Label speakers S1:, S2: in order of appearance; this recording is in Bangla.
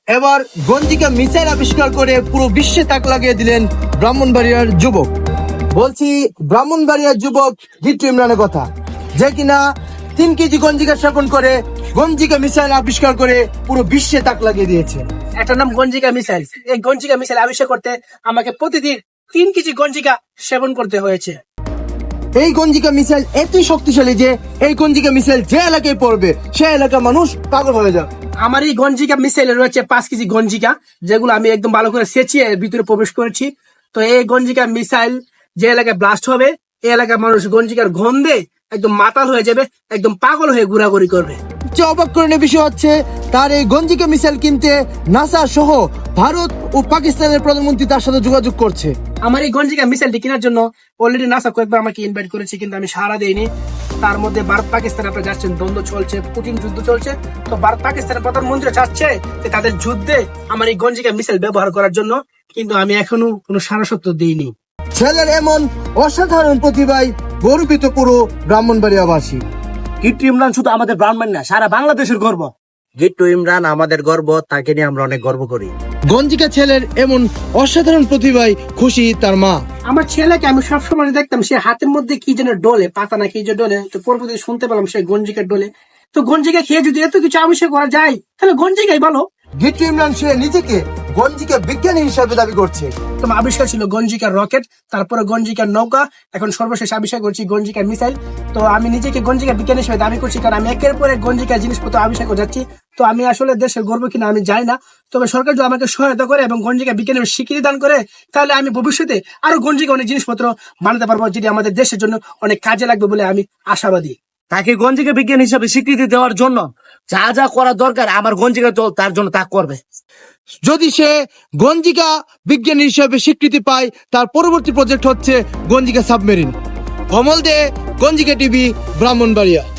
S1: এবার গঞ্জিকা মিসাইল আবিষ্কার করে পুরো বিশ্বে তাক লাগিয়ে দিলেন ব্রাহ্মণবাড়িয়ার যুবক। বলছি ব্রাহ্মণবাড়িয়ার যুবক জিট্টু ইমরানের কথা, যে কিনা 3 কেজি গঞ্জিকা স্থাপন করে গঞ্জিকা মিসাইল আবিষ্কার করে পুরো বিশ্বে তাক লাগিয়ে দিয়েছে।
S2: এটার নাম গঞ্জিকা মিসাইল। এই গঞ্জিকা মিসাইল আবিষ্কার করতে আমাকে প্রতিদিন 3 কেজি গঞ্জিকা সেবন করতে হয়েছে।
S1: এই গঞ্জিকা মিসাইল এতই শক্তিশালী যে এই গঞ্জিকা মিসাইল যে এলাকায় পড়বে সে এলাকার মানুষ পাগল হয়ে যাবে।
S2: আমার এই গঞ্জিকা মিসাইলে রয়েছে 5 কেজি গঞ্জিকা, যেগুলো আমি একদম ভালো করে সেচিয়ে ভিতরে প্রবেশ করেছি। তো এই গঞ্জিকা মিসাইল যে এলাকায় ব্লাস্ট হবে, এই এলাকার মানুষ গঞ্জিকার গন্ধে একদম মাতাল হয়ে যাবে, একদম পাগল হয়ে ঘোরাঘুরি করবে।
S1: সবচেয়ে অবাক করার বিষয় হচ্ছে তার এই গঞ্জিকা মিসাইল কিনতে নাসা সহ ভারত ও পাকিস্তানের প্রধানমন্ত্রী তার সাথে যোগাযোগ করছে।
S2: আমার এই গঞ্জিকা মিসাইলটি কেনার জন্য অলরেডি নাসা কয়েকবার আমাকে ইনভাইট করেছে, কিন্তু আমি সাড়া দেইনি। তার মধ্যে ভারত পাকিস্তান আপনারা যাচ্ছেন, দ্বন্দ্ব চলছে, পুতিন যুদ্ধ চলছে। তো ভারত পাকিস্তানের প্রধানমন্ত্রী চাচ্ছে যে তাদের যুদ্ধে আমার এই গঞ্জিকা মিসাইল ব্যবহার করার জন্য, কিন্তু আমি এখনো কোনো সারা সত্য দিইনি।
S1: ছেলের এমন অসাধারণ প্রতিভায় গর্বিত পুরো ব্রাহ্মণবাড়িয়াবাসী।
S3: জিট্টু ইমরান শুধু আমাদের ব্রাহ্মণ না, সারা বাংলাদেশের গর্ব। জিট্টু ইমরান আমাদের গর্ব, তাকে নিয়ে আমরা অনেক গর্ব করি।
S1: গঞ্জিকা ছেলের এমন অসাধারণ প্রতিভায় খুশি তার মা।
S2: আমার ছেলেকে আমি সবসময় দেখতাম সে হাতের মধ্যে কি যেন ডোলে, পাতা না কি যে ডোলে। তো পরবর্তী শুনতে পেলাম সে গঞ্জিকা ডোলে। তো গঞ্জিকা খেয়ে যদি এত কিছু আবিষ্কার করা যায়, তাহলে গঞ্জিকাই ভালো।
S1: জিট্টু ইমরান সে নিজেকে গঞ্জিকা বিজ্ঞানী হিসাবে দাবি করছে।
S2: তোমার আবিষ্কার ছিল গঞ্জিকার রকেট, তারপরে গঞ্জিকার নৌকা, এখন সর্বশেষ আবিষ্কার করছি গঞ্জিকার মিসাইল। তো আমি নিজেকে গঞ্জিকা বিজ্ঞানী হিসেবে দাবি করছি, কারণ আমি একের পর এক গঞ্জিকার জিনিসপত্র আবিষ্কার করে যাচ্ছি। তো আমি আসলে দেশের গর্ব কিনা আমি জানি না, তবে সরকার যদি আমাকে সহায়তা করে এবং গঞ্জিকা বিজ্ঞানের স্বীকৃতি দান করে, তাহলে আমি ভবিষ্যতে আরো গঞ্জিকা অনেক জিনিসপত্র বানাতে পারবো, যেটি আমাদের দেশের জন্য অনেক কাজে লাগবে বলে আমি আশাবাদী।
S3: তাকে গঞ্জিকা বিজ্ঞান হিসাবে স্বীকৃতি দেওয়ার জন্য যা যা করা দরকার আমার গঞ্জিকা দল তার জন্য তা করবে।
S1: যদি সে গঞ্জিকা বিজ্ঞানী হিসাবে স্বীকৃতি পায়, তার পরবর্তী প্রজেক্ট হচ্ছে গঞ্জিকা সাবমেরিন। কমল দে, গঞ্জিকা টিভি, ব্রাহ্মণবাড়িয়া।